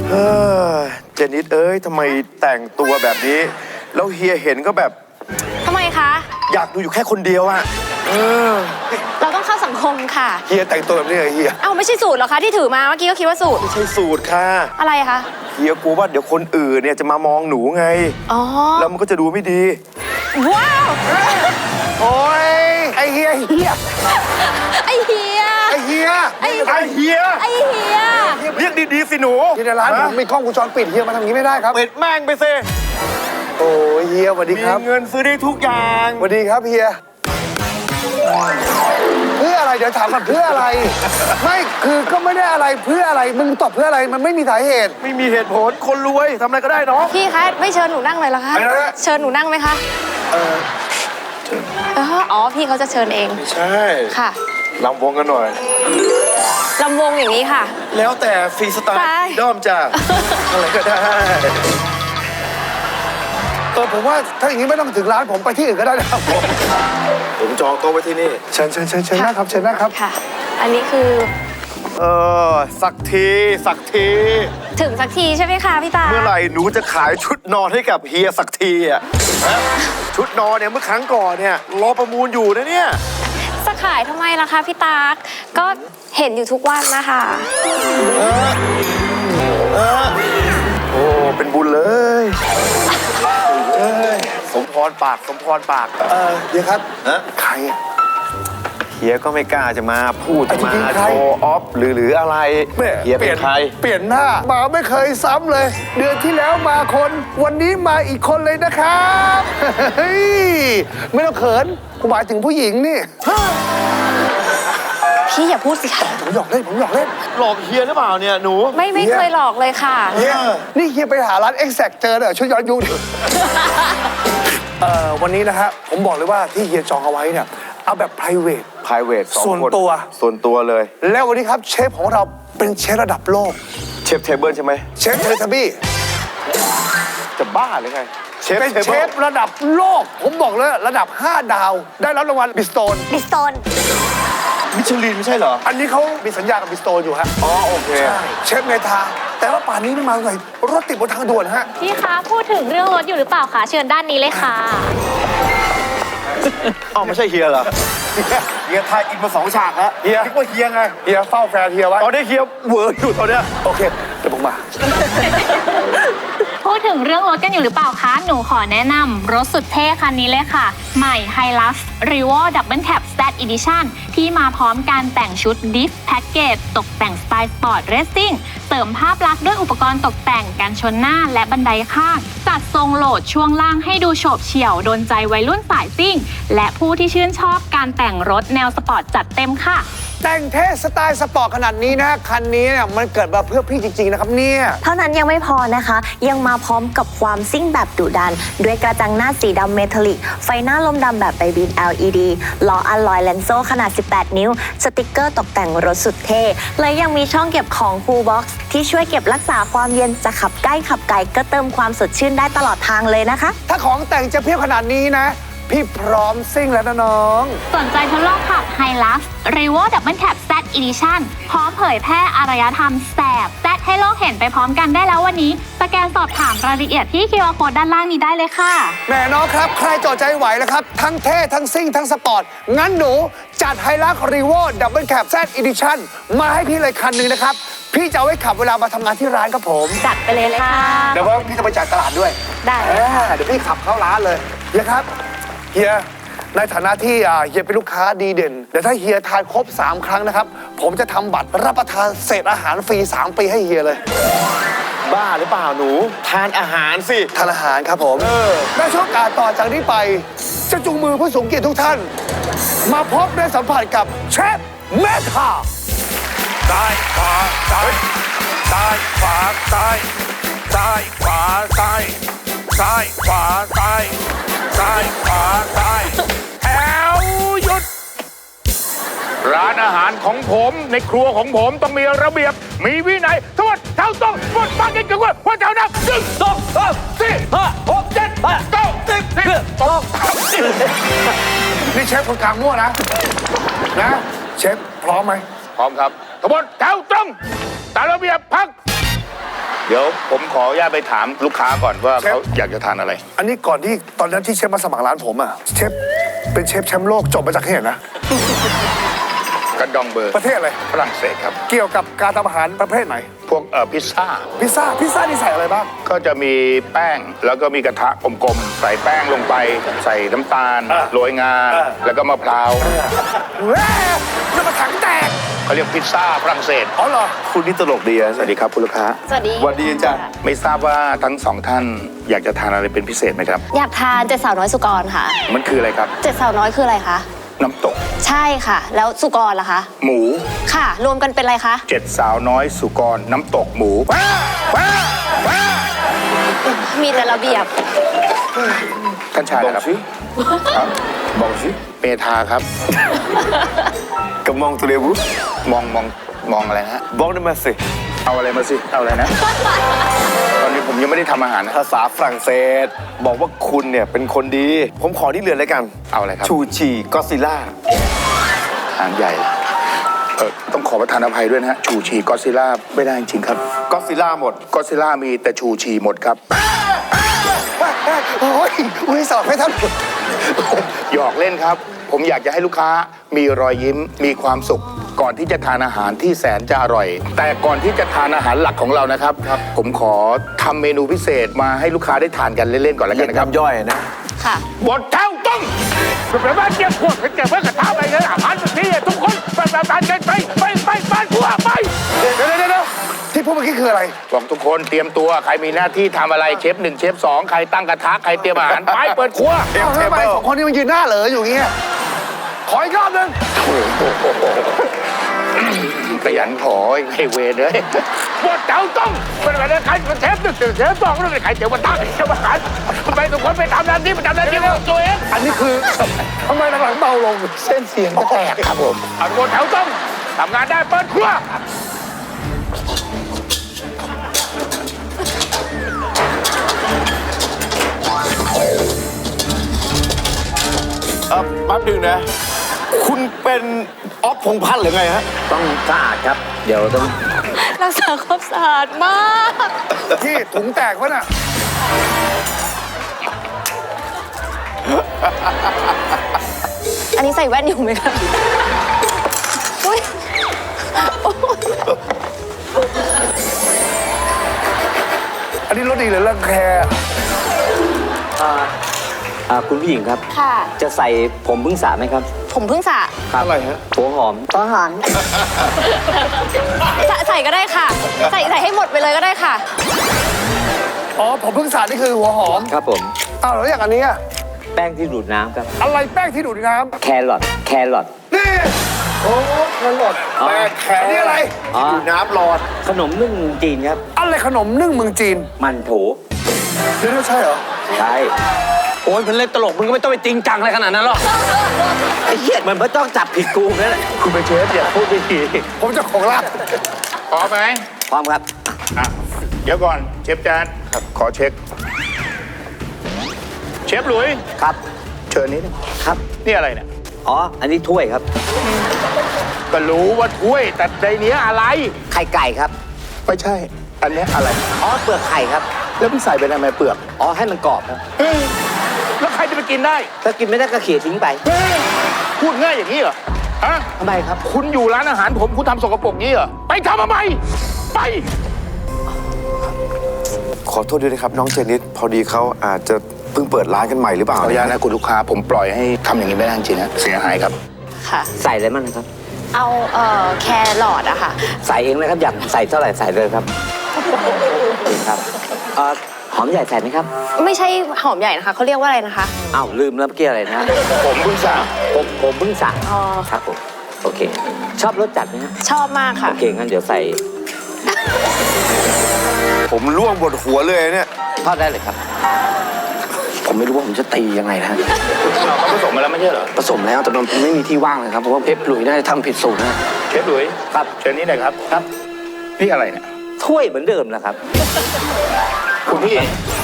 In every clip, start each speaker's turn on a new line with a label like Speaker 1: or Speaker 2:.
Speaker 1: เจนิสเอ้ยทำไมแต่งตัวแบบนี้แล้วเฮียเห็นก็แบบ
Speaker 2: ทำไมคะ
Speaker 1: อยากดูอยู่แค่คนเดียวอะ
Speaker 2: เราต้องเข้าสังคมค่ะ
Speaker 1: เฮียแต่งตัวแบบนี้เหรอเฮีย
Speaker 2: เอ้าไม่ใช่สูตรหรอคะที่ถือมาเมื่อกี้ก็คิดว่าสูตร
Speaker 1: ไม่ใช่สูตรค่ะ
Speaker 2: อะไรคะ
Speaker 1: เฮียกลัวว่าเดี๋ยวคนอื่นเนี่ยจะมามองหนูไง
Speaker 2: อ๋อ
Speaker 1: แล้วมันก็จะดูไม่ดี
Speaker 2: ว้าว
Speaker 1: โอ้ยไอเฮีย
Speaker 2: ไอเฮีย
Speaker 1: ไอเฮียไอเฮียเรียกดีๆสิหนู
Speaker 3: ที่ในร้านผมมีกล้องวงจรปิดเฮียมาทำอย่างนี้ไม่ได้ครับ
Speaker 1: ปิดแม่งไปสิ
Speaker 3: โอ้ยเฮียสวัสดีครับ
Speaker 1: มีเงินซื้อได้ทุกอย่าง
Speaker 3: สวัสดีครับเฮียเพื่ออะไรเดี๋ยวถามก่อนเพื่ออะไรไม่คือก็ไม่ได้อะไรเพื่ออะไรมึงตอบเพื่ออะไรมันไม่มีสาเหตุ
Speaker 1: ไม่มีเหตุผลคนรวยทำอะไรก็ได้เนาะ
Speaker 2: พี่คะไม่เชิญหนูนั่งเลยเหรอคะเชิญหนูนั่งไหมคะอ๋อพี่เขาจะเชิญเอง
Speaker 1: ใช่
Speaker 2: ค่ะ
Speaker 1: ลำวงกันหน่อย
Speaker 2: ลำวงอย่างนี้ค่ะ
Speaker 1: แล้วแต่ฟรีสไตล์ด้อมจ้าอะไรก็ได้
Speaker 3: ผมว่าถ้าอย่างนี้ไม่ต้องถึงร้านผมไปที่อื่นก็ได้นะครับ
Speaker 1: ผมจองโต๊ะไว้ที่นี่
Speaker 3: เชิญนะครับเชิญนะครับ
Speaker 2: ค่ะอันนี้คือ
Speaker 1: สักที
Speaker 2: ถึงสักทีใช่ไหมคะพี่ตา
Speaker 1: เมื่อไหร่หนูจะขายชุดนอนให้กับเฮียสักทีอ่ะชุดนอนเนี่ยเมื่อครั้งก่อนเนี่ยรอประมูลอยู่นะเนี่ย
Speaker 2: จะขายทำไมล่ะคะพี่ตาก็เห็นอยู่ทุกวันนะคะ
Speaker 1: โอ้เป็นบุญเลยสมพรปาก
Speaker 3: เดี๋ยวครับใคร
Speaker 1: เฮียก็ไม่กล้าจะมาพูดจะมาโชว์ออฟหรืออะไรเฮียเป็นใคร
Speaker 3: เปลี่ยนหน้ามาไม่เคยซ้ำเลยเดือนที่แล้วมาคนวันนี้มาอีกคนเลยนะครับไม่ต้องเขินผมหมายถึงผู้หญิงนี่
Speaker 2: พี่อย่าพูดสิค่ะ
Speaker 3: ผมหยอกเล่น
Speaker 1: หลอกเฮียหรือเปล่าเนี่ยหนู
Speaker 2: ไม่เคยหลอกเลยค่ะ
Speaker 3: นี่เฮียไปหาร้าน Exact เจอเหรอช่วยย้อนยุควันนี้นะฮะผมบอกเลยว่าที่เฮียจองเอาไว้เนี่ยเอาแบบ private ส่วน
Speaker 1: ตัวเลย
Speaker 3: แล้ววันนี้ครับเชฟของเราเป็นเชฟระดับโลก
Speaker 1: เชฟเทเบิลใช่ไหม
Speaker 3: เชฟเทเลทับบี้
Speaker 1: จะบ้าหรือไง
Speaker 3: เป็นเชฟระดับโลกผมบอกเลยระดับ5 ดาวได้รับรางวัลบิสโตน
Speaker 1: มิชลินไม่ใช่เหรอ
Speaker 3: อันนี้เขามีสัญญากับบิสโตนอยู่ฮะ
Speaker 1: อ๋อโอเค
Speaker 3: เชฟเมทาแต่ว่าป่านนี้ไม่มาไงรถติดบนทางด่วนฮะ
Speaker 2: พี่คะพูดถึงเรื่องรถอยู่หรือเปล่าคะเชิญด้านนี้เลยค่ะ
Speaker 1: อ๋อไม่ใช่เฮียเหรอเฮียทายอินมา2 ฉากแล้วเฮียคิดว่าเฮียไง
Speaker 3: เฮียเฝ้าแฟนเฮียไว้
Speaker 1: ตอนนี้เฮียเวอร์อยู่ตอนเนี้ย
Speaker 3: โอเคเดี๋ยวผมมา
Speaker 2: พูดถึงเรื่องรถกันอยู่หรือเปล่าคะหนูขอแนะนำรถสุดเท่คันนี้เลยค่ะใหม่ Hilux Revo Double Cab Z Edition ที่มาพร้อมการแต่งชุด Diff Package ตกแต่งสไตล์สปอร์ตเรซซิ่งเสริมภาพลักษณ์ด้วยอุปกรณ์ตกแต่งกันชนหน้าและบันไดข้างจัดทรงโหลดช่วงล่างให้ดูโฉบเฉี่ยวโดนใจวัยรุ่นสายซิ่งและผู้ที่ชื่นชอบการแต่งรถแนวสปอร์ตจัดเต็มค่ะ
Speaker 3: แต่งเท่สไตล์สปอร์ตขนาดนี้นะคันนี้เนี่ยมันเกิดมาเพื่อพี่จริงๆนะครับเนี่ย
Speaker 4: เท่านั้นยังไม่พอนะคะยังมาพร้อมกับความซิ่งแบบดุดันด้วยกระจังหน้าสีดำเมทัลลิกไฟหน้าลมดำแบบไบบีน LED ล้ออัลลอยแลนโซขนาด18 นิ้วสติกเกอร์ตกแต่งรถสุดเท่และยังมีช่องเก็บของ Cool Box ที่ช่วยเก็บรักษาความเย็นจะขับใกล้ขับไกลก็เติมความสดชื่นได้ตลอดทางเลยนะคะ
Speaker 3: ถ้าของแต่งจะเพียบขนาดนี้นะพี่พร้อมซิ่งแล้วนะน้อง
Speaker 2: สนใจทดลองขับ Hilux Revo Double Cab Z Edition พร้อมเผยแพร่อารยธรรมแสบแซดให้โลกเห็นไปพร้อมกันได้แล้ววันนี้สแกนสอบถามรายละเอียดที่ QR Code ด้านล่างนี้ได้เลยค่ะ
Speaker 3: แม่น้องครับใครจอดใจไหวแล้วครับทั้งเท่ทั้งซิ่งทั้งสปอร์ตงั้นหนูจัด Hilux Revo Double Cab Z Edition มาให้พี่เลยคันหนึ่งนะครับพี่จะเอาไว้ขับเวลามาทำงานที่ร้านครับผม
Speaker 2: จัดไปเลยค่ะ
Speaker 3: เดี๋ยวว่าพี่จะไปจ่ายตลาดด้วย
Speaker 2: ได้
Speaker 3: เดี๋ยวพี่ขับเข้าร้านเลยเฮียครับเฮียในฐานะที่เฮียเป็นลูกค้าดีเด่นเดี๋ยวถ้าเฮียทานครบ3 ครั้งนะครับผมจะทำบัตรรับประทานเศษอาหารฟรี3 ปีให้เฮียเลย
Speaker 1: บ้าหรือเปล่าหนูทานอาหารสิ
Speaker 3: ทานอาหารครับผมในช่วงการต่อจากนี้ไปจะจูงมือผู้สูงเกียรติทุกท่านมาพบและสัมผัสกับเชฟเมทา
Speaker 5: ซ้ายขวาซ้ายซ้ายขวาซ้ายซ้ายขวาซ้ายซ้ายขวาซ้ายซ้ายขวาซ้ายแถวหยุดร้านอาหารของผมในครัวของผมต้องมีระเบียบมีวินัยทั้งหมดแถวตรงหมดมากินกันว่าแถวนับ1 2 3 4 5 6 7 8 9 10
Speaker 3: นี่เชฟคนกลางมั่วนะเชฟพร้อมไหม
Speaker 5: พร้อมครับทั้งหมดแถวตรงตามระเบียบพักเดี๋ยวผมขออนุญาตไปถามลูกค้าก่อนว่าเขาอยากจะทานอะไร
Speaker 3: อันนี้ก่อนที่ตอนนั้นที่เชฟมาสมัครร้านผมอ่ะเชฟเป็นเชฟแชมป์โลกจบมาจากที่ไหนนะ
Speaker 5: กระดองเบอร์
Speaker 3: ประเทศอะไร
Speaker 5: ฝรั่งเศสครับ
Speaker 3: เกี่ยวกับการทำอาหารประเภทไหน
Speaker 5: พวกพิซซ่า
Speaker 3: พิซซ่านี่ใส่อะไรบ้าง
Speaker 5: ก็จะมีแป้งแล้วก็มีกระทะกลมๆ ใส่แป้งลงไป ใส่น้ำตาล โรยงา แล้วก็มะพร้าว
Speaker 3: แม่จะมาถังแตก
Speaker 5: เขาเรียกพิซซ่าฝรั่งเศส
Speaker 3: อ๋อเหรอ
Speaker 1: คุณนี่ตลกดีอะ
Speaker 5: สวัสดีครับคุณลูกค้า
Speaker 2: สวัสดี
Speaker 1: สวัสดีจ้ะ
Speaker 5: ไม่ทราบว่าทั้งสองท่านอยากจะทานอะไรเป็นพิเศษไหมครับ
Speaker 6: อยากทานเจ็ดสาวน้อยสุกรค่ะ
Speaker 5: มันคืออะไรครับ
Speaker 6: เจ็ดสาวน้อยคืออะไรคะ
Speaker 5: น้ำตก
Speaker 6: ใช่ค่ะ แล้วสุกรล่ะคะ
Speaker 5: หมู
Speaker 6: ค่ะ รวมกันเป็นอะไรคะ
Speaker 5: 7 สาวน้อยสุกรน้ำตกหมู
Speaker 6: มีแต่ระเบียบ
Speaker 5: ท่านชาย
Speaker 1: บอก
Speaker 5: นะครับ
Speaker 1: สิ
Speaker 5: ครับ
Speaker 1: บอกสิ
Speaker 5: เมธาครับ
Speaker 1: กำมองตุเรบุ
Speaker 5: มองอะไรนะฮะ
Speaker 1: บอกได้มาสิ
Speaker 5: เอาอะไรมาสิ เอาอะไรนะ ตอนนี้ผมยังไม่ได้ทำอาหารนะ
Speaker 1: ภาษาฝรั่งเศส บอกว่าคุณเนี่ยเป็นคนดี ผมขอที่เรือนแล้วกัน
Speaker 5: เอาอะไรครับ
Speaker 1: ชูชีก็ซิล่า
Speaker 5: อาหารใหญ่ ต้องขอประทานอภัยด้วยนะฮะ ชูชีก็อดซิลล่าไม่ได้จริงๆครับ
Speaker 1: ก็ซิล่าหมด
Speaker 5: ก็อดซิลล่ามีแต่ชูชีหมดครับ
Speaker 3: โอ้ยสอบให้ท่าน
Speaker 5: หยอกเล่นครับ ผมอยากจะให้ลูกค้ามีรอยยิ้ม มีความสุข ก่อนที่จะทานอาหารที่แสนจะอร่อย แต่ก่อนที่จะทานอาหารหลักของเรานะครับ ผมขอทำเมนูพิเศษมาให้ลูกค้าได้ทานกันเล่นๆก่อนแล้วกันนะครับ
Speaker 1: น้ำย่อยนะ
Speaker 6: ค่ะ
Speaker 5: บทเท้าต้องเป็นบ้านเก็บพวกเก็บไว้กับเท้าไปเลยอาหารแบบนี้ทุกคนไปบ้านกันไปบ้านพวกไป
Speaker 3: เดี๋ยวที่พูดเมื่อกี้คืออะไร
Speaker 5: บอกทุกคนเตรียมตัวใครมีหน้าที่ทำอะไรเชฟ1เชฟ2ใครตั้งกระทะใครเตรียมอาหารไปเปิดครัว
Speaker 3: เอาทำไมสองคนนี้มันยืนหน้าเหลออยู่อย่างเงี้ย ขออีกรอบนึง
Speaker 5: ขยันขอให้เวรเลยบทเท้าต้องเป็นอะไรใครเป็นเชฟ1เชฟ2แล้วเป็นใครเดี๋ยวมาตั้งเดี๋ยวมาหันไปทุกคนไปทำหน้าที่ของตัวเอง
Speaker 3: อันนี้คือทำไมหลังๆเบาลง
Speaker 5: เส้นเสียงแตกครับผมบทเท้าต้องทำงานได้เปิดครัว
Speaker 1: แป๊บหนึงนะ คุณเป็นออฟพงษ์พัฒน์หรือไงฮะ
Speaker 7: ต้องสะอาดครับ เดี๋ยวต้อง
Speaker 6: รักษาความสะอาดมาก
Speaker 3: ที่ถุงแตกวะน่ะ
Speaker 6: อันนี้ใส่แว่นอยู่ไหมคะอุ๊ย
Speaker 3: อันนี้รถดีหรือรังแค
Speaker 7: คุณผู้หญิงครับ
Speaker 6: ค่ะ
Speaker 7: จะใส่ผมพึ่งสระไหมครับ
Speaker 6: ผมเพิ่งสระ
Speaker 7: ครับ
Speaker 1: อะไรฮะ
Speaker 7: หัวหอม
Speaker 4: หัวหอม
Speaker 6: ใส่ก็ได้ค่ะ ใส่ให้หมดไปเลยก็ได้ค่ะ
Speaker 3: อ๋อ ผมเพิ่งสาดนี่คือหัวหอม
Speaker 7: ครับผม
Speaker 3: อ้าวแล้วอย่างอันนี้อะ
Speaker 7: แป้งที่ดูดน้ำครับ
Speaker 3: อะไรแป้งที่ดูดน้
Speaker 7: แครอท
Speaker 3: ำนี่ โอ้แครอท
Speaker 1: แป้งแคร
Speaker 3: อันนี้อะไร
Speaker 7: อ๋อ
Speaker 1: อยู่น้ำหลอด
Speaker 7: ขนมนึ่งจีนครับ
Speaker 3: อะไรขนมนึ่งเมืองจีน
Speaker 7: มันโถ
Speaker 3: เดี๋ยวใช่เหรอ
Speaker 7: ใช่
Speaker 8: โอ้ยเป็นเล่นตลกมึงก็ไม่ต้องไปจริงจังอะไรขนาดนั้นหรอก
Speaker 7: ไอ้เหี้ยมันไม่ต้องจับผิดกูนั่นแหละ
Speaker 5: คุณเป็นเชฟอย่าพูดไม่ดี
Speaker 3: ผมเจะของร้าน
Speaker 5: พร้อมไหม
Speaker 7: พร้อมครับ
Speaker 5: อ่ะเดี๋ยวก่อนเชฟแจ๊ดขอเช็ค เชฟหลุย
Speaker 7: ครับ
Speaker 5: เชิญนี้
Speaker 7: ครับ
Speaker 5: นี่อะไรเนี่ย
Speaker 7: อ๋อ อันนี้ถ้วยครับ
Speaker 5: ก็รู้ว่าถ้วยแต่ในนี้อะไร
Speaker 7: ไข่ไก่ครับ
Speaker 5: ไม่ใช่ อันนี้อะไร
Speaker 7: อ๋อ เปลือกไข่ครับ
Speaker 5: แล้วพี่ใส่ไปทำไมเปลือก
Speaker 7: อ๋อ ให้มันกรอบครับ
Speaker 5: เฮ้ยแล้วใครจะไปกินได้
Speaker 7: ถ้ากินไม่ได้ก็เขี่ยทิ้งไป
Speaker 5: เฮ้ยพูดง่ายอย่างนี้เหรอฮะ
Speaker 7: ทำไมครับ
Speaker 5: คุณอยู่ร้านอาหารผมคุณทำสกปรกงี้เหรอไปทำทำไมไป
Speaker 1: ขอโทษด้วยนะครับ น้องเจนิสพอดีเขาอาจจะเพิ่งเปิดร้านกันใหม่หรือเปล่า
Speaker 5: ขออนุญาตนะคุณลูกค้าผมปล่อยให้ทำอย่างนี้ไม่ได้จริงๆนะเสียหายครับ
Speaker 6: ค่ะ
Speaker 7: ใส่อะไรมั่งนะครับ
Speaker 6: เอาแครอทอะค่ะ
Speaker 7: ใส่เองนะครับ อยากใส่เท่าไหร่ใส่เลยครับ ครับหอมใหญ่ใส่ไหมครับ
Speaker 6: ไม่ใช่หอมใหญ่นะคะ เขาเรียกว่าอะไรนะคะ
Speaker 7: อ้าวลืมแล้วเมื่อกี้อะไรนะ
Speaker 5: ผมเพิ่งสั่ง
Speaker 7: ผมเพิ่งสั่ง
Speaker 6: อ๋อ
Speaker 7: ครับผม โอเค ชอบรสจัดไหมครับ
Speaker 6: ชอบมากค่ะ
Speaker 7: โอเค งั้นเดี๋ยวใส่
Speaker 1: ผมล่วงบนหัวเลยเนี่ย
Speaker 7: ทอดได้เลยครับ
Speaker 8: ผมไม่รู้ว่าผมจะตียังไงนะฮะ
Speaker 5: เขาผสมมาแล้วไม่ใช่เหรอ
Speaker 8: ผสมแล้วแต่มันไม่มีที่ว่างเลยครับเพราะว่าเพชรหลุยน่าจะทำผิดสูตรนะ
Speaker 5: เชฟหลุย
Speaker 7: ครับ
Speaker 5: เชิญนี้หน่อยครับ
Speaker 7: ครับ
Speaker 5: นี่อะไรเนี่ย
Speaker 7: ถ้วยเหมือนเดิมนะครับ
Speaker 5: คุณพี่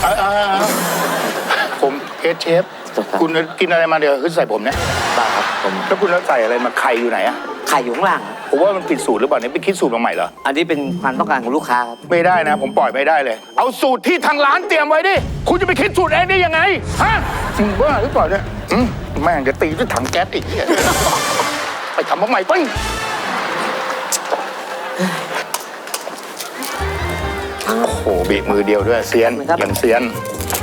Speaker 5: ผมเชฟ
Speaker 7: ครับ
Speaker 5: คุณกินอะไรมาเดี๋ยวขึ้นใส่ผมเนี่ย
Speaker 7: บ้าครับผม
Speaker 5: แล้วคุณแล้วใส่อะไรมาไข่อยู่ไหนอะ
Speaker 7: ไข่อยู่ข้างล่างครับ
Speaker 5: ผมว่ามันผิดสูตรหรือเปล่าเนี่ยไปคิดสูตรมาใหม่เหรอ
Speaker 7: อันนี้เป็นความต้องการของลูกค้าครับ
Speaker 5: ไม่ได้นะ ผมปล่อยไม่ได้เลย เอาสูตรที่ทางร้านเตรียมไว้ดิ คุณจะไปคิดสูตรเองได้ยังไง ฮะมึงบ้าหรือเปล่าเนี่ยแม่งจะตีด้วยถังแก๊สอีกเนี่ยไปทำมาใหม่ไปโอ้โหบีบมือเดียวด้วยเซียนอย่างเซียน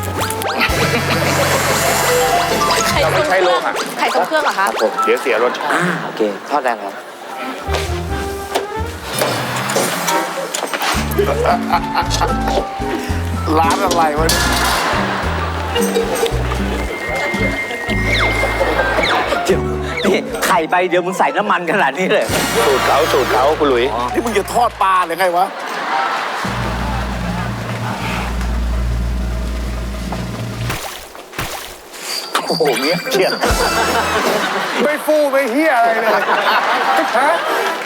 Speaker 5: เราไม่ใช้โลหะ
Speaker 6: ไข่ทรงเครื่องเหรอคะ
Speaker 5: เดี๋ยวเสียรสชาติ
Speaker 7: โอเค ทอดได้ครับ
Speaker 1: ร้านอะไรวะ
Speaker 7: เดี๋ยวนี่ไข่ใบเดียวมึงใส่น้ำมันขนาดนี้เลย
Speaker 5: สูตรเขาคุณหลุย
Speaker 1: นี่มึงจะทอดปลาหรือไงวะ
Speaker 5: โอ้โหเนี้ยเชี่ย
Speaker 3: ไม่ฟูไม่เฮียอะไรเลยฮะ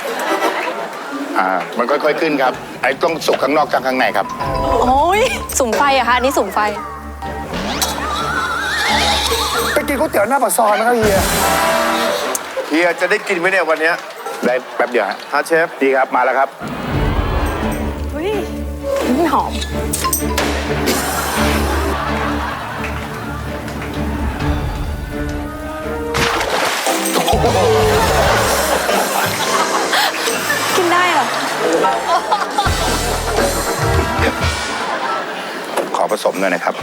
Speaker 5: มันค่อยๆขึ้นครับ ไอ้ต้องสุกข้างนอกกับข้างในครับ
Speaker 6: โอ้ยสุ่มไฟอะคะอันนี้สุ่มไฟ
Speaker 3: ไปกินก๋วยเตี๋ยวหน้าปากซอยนะครับเฮีย
Speaker 1: เฮียจะได้กินไหมเนี่ยวันเนี้ย
Speaker 5: ได้แป๊บเดียวฮะ
Speaker 1: ฮะเชฟ
Speaker 5: ดีครับ มาแล้วครับ
Speaker 6: อุ้ยนี่หอม กินได้เหรอ
Speaker 5: ขอผสมหน่อยนะครับ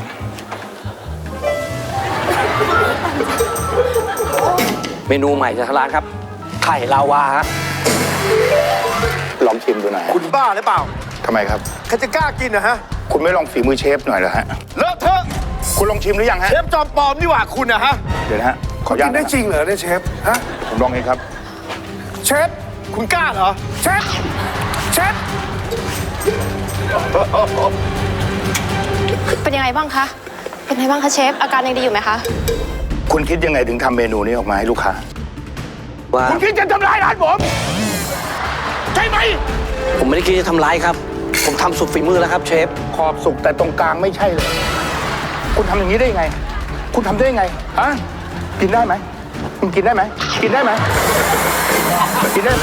Speaker 8: เมนูใหม่จากทางร้านครับ ไข่ลาวาครับ
Speaker 5: ลองชิมดูหน่อยฮะ
Speaker 1: คุณบ้าหรือเปล่า
Speaker 5: ทำไมครับ
Speaker 1: ใครจะกล้ากินนะฮะ
Speaker 5: คุณไม่ลองฝีมือเชฟหน่อยเหรอฮะ
Speaker 1: เลอะเทอะ
Speaker 5: คุณลองชิมหรือยังฮะ
Speaker 1: เชฟจอมปลอมนี่หว่าคุณนะฮะ
Speaker 5: เดี๋ยวนะฮะ ขออนุ
Speaker 3: กิ
Speaker 5: ญาต
Speaker 3: นได้
Speaker 5: นะ
Speaker 3: จริงเหรอเนี่ยเชฟ ฮะ
Speaker 5: ผมลองเองครับ
Speaker 3: เชฟ
Speaker 1: คุณกล้าเหรอ
Speaker 3: เชฟ เชฟ
Speaker 6: เป็นยังไงบ้างคะ เป็นยังไงบ้างคะเชฟ อาการยังดีอยู่ไหมคะ
Speaker 5: คุณคิดยังไงถึงทำเมนูนี้ออกมาให้ลูกค้า
Speaker 8: ว่า
Speaker 5: คุณคิดจะทำลายร้านผม ใช่ไหม
Speaker 8: ผมไม่ได้คิดจะทำร้ายครับ ผมทำสุดฝีมือแล้วครับเชฟ
Speaker 5: ขอบสุกแต่ตรงกลางไม่ใช่เลย คุณทำอย่างนี้ได้ยังไง คุณทำได้ยังไง ฮะ กินได้ไหมคุณกินได้ไหม กินได้ไหม กินได้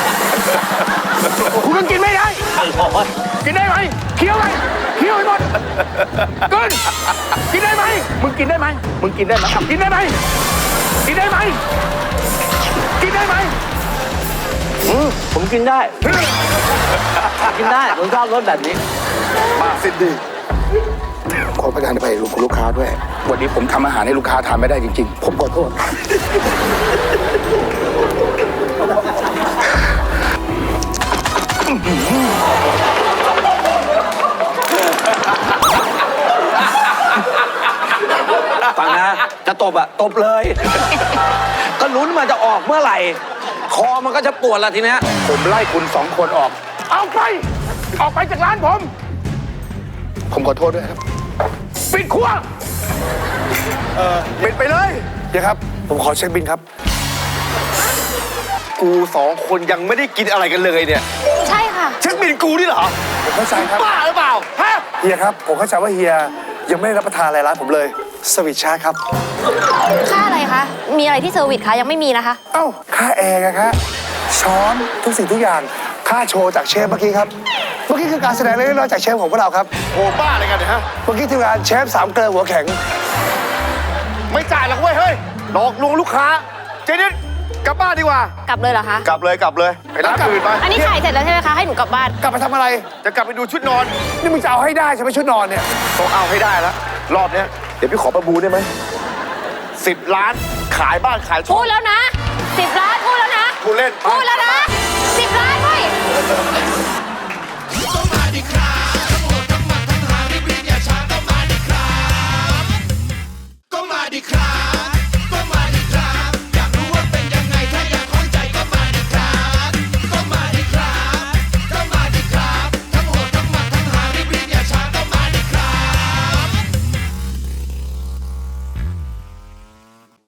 Speaker 5: คุณก็กินไม่ได้ กินได้ไหมเคี้ยวไหมเคี้ยวให้หมดกินกินได้ไหมมึงกินได้ไหมมึงกินได้ไหมกินได้ไหมกินได้ไหมกินได้ไหม
Speaker 8: ผมกินได้ กินได้ ผมชอบรสแบบนี้
Speaker 1: มาสิดี
Speaker 5: ขอประทานไปลูกค้าด้วย วันนี้ผมทำอาหารให้ลูกค้าทานไม่ได้จริงๆ ผมขอโทษ
Speaker 8: ฟังนะ จะตบอะตบเลย ก็ลุ้นมันจะออกเมื่อไหร่ คอมันก็จะปวดละทีเนี้ย
Speaker 5: ผมไล่คุณสองคนออก เอาไป ออกไปจากร้านผม ผมขอโทษด้วยครับ ปิดครัว
Speaker 1: เป็นไปเลย
Speaker 3: เดี๋ยวครับ ผมขอเช็คบินครับ
Speaker 1: กูสองคนยังไม่ได้กินอะไรกันเลยเนี่ย
Speaker 6: ใช่ค่ะ
Speaker 1: เช็คบินกูนี่เหรอ
Speaker 3: ผมเข้าใจครับ
Speaker 1: บ้าหรือเปล่า ฮะ
Speaker 3: เฮียครับ ผมเข้าใจว่าเฮียยังไม่ได้รับประทานอะไรร้านผมเลย สวิตชาร์จครับ
Speaker 6: ค่าอะไรคะ มีอะไรที่เซอร์วิสคะ ยังไม่มีนะคะ
Speaker 3: เอ้า ค่าแอร์อะครับช้อนทุกสิ่งทุกอย่าง ค่าโชว์จากเชฟเมื่อกี้ครับ เมื่อกี้คือการแสดงเล็กๆน้อยๆจากเชฟของพวกเราครับ
Speaker 1: โหบ้าอะไรกันเนี่ยฮะ
Speaker 3: เมื่อกี้ทีมงานเชฟสามเกลือหัวแข็ง
Speaker 1: ไม่จ่ายหรอกเว้ย เฮ้ย หลอกลวงลูกค้า เจนิดกลับบ้านดีกว่า
Speaker 6: กลับเลยเหรอคะ
Speaker 1: กลับเลยกลับเลย ไปร้านอื่นไป
Speaker 6: อันนี้ถ่ายเสร็จแล้วใช่ไหมคะ ให้หนูกลับบ้าน
Speaker 3: กลับไปทำอะไร
Speaker 1: จะกลับไปดูชุดนอน
Speaker 3: นี่มึงจะเอาให้ได้ใช่ไหมชุดนอนเนี่ย
Speaker 1: ต้องเอาให้ได้แล้ว รอบเนี้ยเดี๋ยวพี่ขอประมูลได้ไหม10 ล้าน ขายบ้านขายช่
Speaker 6: พู
Speaker 1: อง
Speaker 6: ดแล้วนะ10 ล้านพูดแล้วนะ
Speaker 1: กูเล่น
Speaker 6: พูดแล้วนะ10 ล้านเว้ย